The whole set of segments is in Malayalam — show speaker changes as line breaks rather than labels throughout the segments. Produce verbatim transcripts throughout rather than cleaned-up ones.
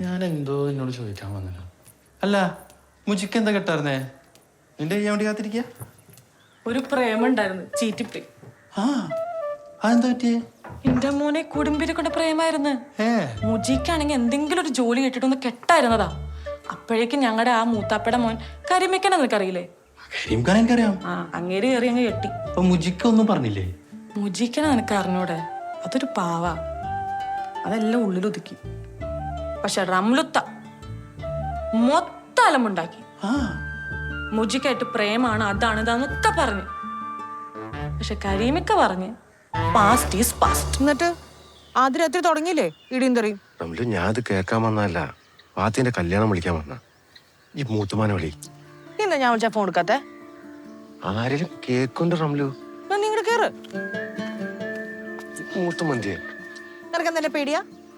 ഞാൻ എന്തോ എന്നോട് ചോദിക്കാൻ വന്നല്ലോ. അല്ല മുജിക്ക് എന്താ കെട്ടായിരുന്നേ? നിന്റെ ചെയ്യാൻ വേണ്ടി കാത്തിരിക്ക?
ഒരു പ്രേമം ഉണ്ടായിരുന്നു, ചീറ്റിപ്പി.
ആ അതെന്താ പറ്റിയേ?
എന്റെ മോനെ കുടുംബിനെ കൊണ്ട് പ്രേമായിരുന്നു. മുജിക്കാണെങ്കിൽ എന്തെങ്കിലും ഒരു ജോലി കിട്ടിട്ടൊന്ന് കെട്ടായിരുന്നതാ. അപ്പോഴേക്കും ഞങ്ങളുടെ ആ മൂത്താപ്പയുടെ മോൻ കരിമിക്കനെ നിനക്കറിയില്ലേ?
എനിക്കറിയാം.
ആ അങ്ങേര് കയറി അങ്ങ് കെട്ടി.
അപ്പൊ മുജിക്ക് ഒന്നും പറഞ്ഞില്ലേ?
മുജിക്കനെ നിനക്ക് അറിഞ്ഞൂടെ? അതൊരു പാവ, അതെല്ലാം ഉള്ളിലൊതുക്കി. പക്ഷെ റംലുത്ത മൊത്തം അലമ്പുണ്ടാക്കി. മുജിക്കായിട്ട് പ്രേമാണ്, അതാണ് ഇതാന്നൊക്കെ പറഞ്ഞു. പക്ഷെ കരീമിക്ക പറഞ്ഞ് പാസ്റ്റ് ഈസ് പാസ്റ്റ്.
എന്നിട്ട് ആദ്യ രാത്രി തുടങ്ങിയില്ലേ ഇടിയും തെറിയും?
റംലു, ഞാൻ അത് കേൾക്കാൻ വന്നതല്ല, പാത്തിന്റെ കല്യാണം വിളിക്കാൻ വന്ന. ഈ മൂത്തുമാനെ വിളി.
എന്താ ഞാൻ വിളിച്ചാ ഫോൺ എടുക്കാത്തെ?
ആരെങ്കിലും കേക്കുണ്ട് റംലു.
നിങ്ങടെ കേറ്.
മൂത്തുമന്തിയെ
നിനക്ക് എന്താ പേടിയാ?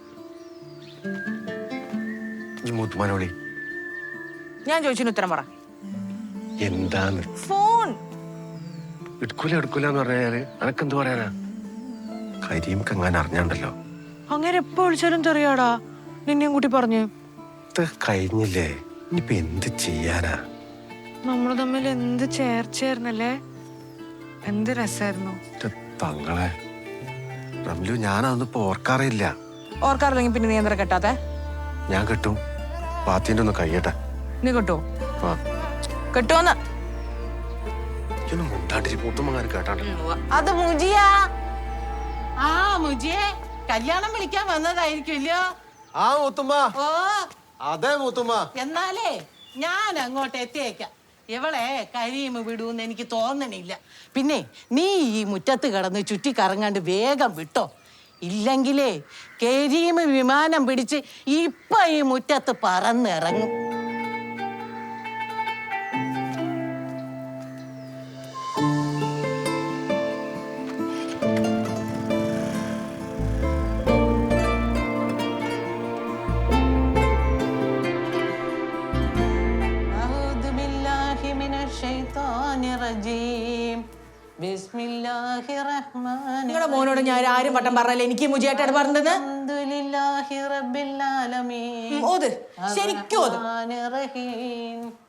ഈ മൂത്തുമാനെ വിളി.
ഞാൻ ചോദിച്ചതിന് ഉത്തരം പറ.
എന്താന്ന്?
ഫോൺ
എടുക്കൂല എടുക്കൂല എന്ന് പറഞ്ഞാല് അനക്കെന്ത് പറയാനാ? കരീംക്ക് എങ്ങനെ അറിഞ്ഞാണ്ടല്ലോ.
അങ്ങനെ എപ്പോ വിളിച്ചാലും തെറിയാടാ. നിന്നെയും കൂട്ടി പറഞ്ഞു.
ഇത് കഴിഞ്ഞില്ലേ, ഇനിയിപ്പൊ എന്ത് ചെയ്യാനാ?
നമ്മള് തമ്മിൽ എന്ത് ചേർച്ചയായിരുന്നല്ലേ, എന്ത് രസായിരുന്നു.
തങ്ങളെ റംലു, ഞാനതൊന്നും ഇപ്പൊ ഓർക്കാറില്ല.
ഓർക്കാറില്ലെങ്കിൽ പിന്നെ നീ എന്താ കെട്ടാത്തെ?
ഞാൻ കെട്ടും. പാത്തിന്റെ ഒന്ന് കഴിയട്ടെ.
നീ കെട്ടോ? കെട്ടോന്ന്
മുണ്ടാണ്ടിരി മൂത്തുമ്മങ്ങാനും കേട്ടാണ്ടല്ലോ.
അത് മുജിയാ.
ആ മുജിയെ കല്യാണം വിളിക്കാൻ വന്നതായിരിക്കുമല്ലോ.
ആ മൂത്തുമ്മ.
ഓ
അതെ മൂത്തുമ്മ.
എന്നാലേ ഞാൻ അങ്ങോട്ട് എത്തിയേക്കാം. ഇവളെ കരീമ് വിടൂന്ന് എനിക്ക് തോന്നണില്ല. പിന്നെ നീ ഈ മുറ്റത്ത് കിടന്ന് ചുറ്റി കറങ്ങാണ്ട് വേഗം വിട്ടോ. ഇല്ലെങ്കിലേ കരീമ് വിമാനം പിടിച്ച് ഇപ്പൊ ഈ മുറ്റത്ത് പറന്നിറങ്ങും.
നിങ്ങളുടെ മോനോട് ഞാൻ ആരും വട്ടം പറഞ്ഞല്ലേ എനിക്ക് മുജിയായിട്ടാണ് പറഞ്ഞത്.
അൽഹംദുലില്ലാഹി റബ്ബിൽ ആലമീൻ.
ഓത് ശരിക്കും ഓത്.
റഹീം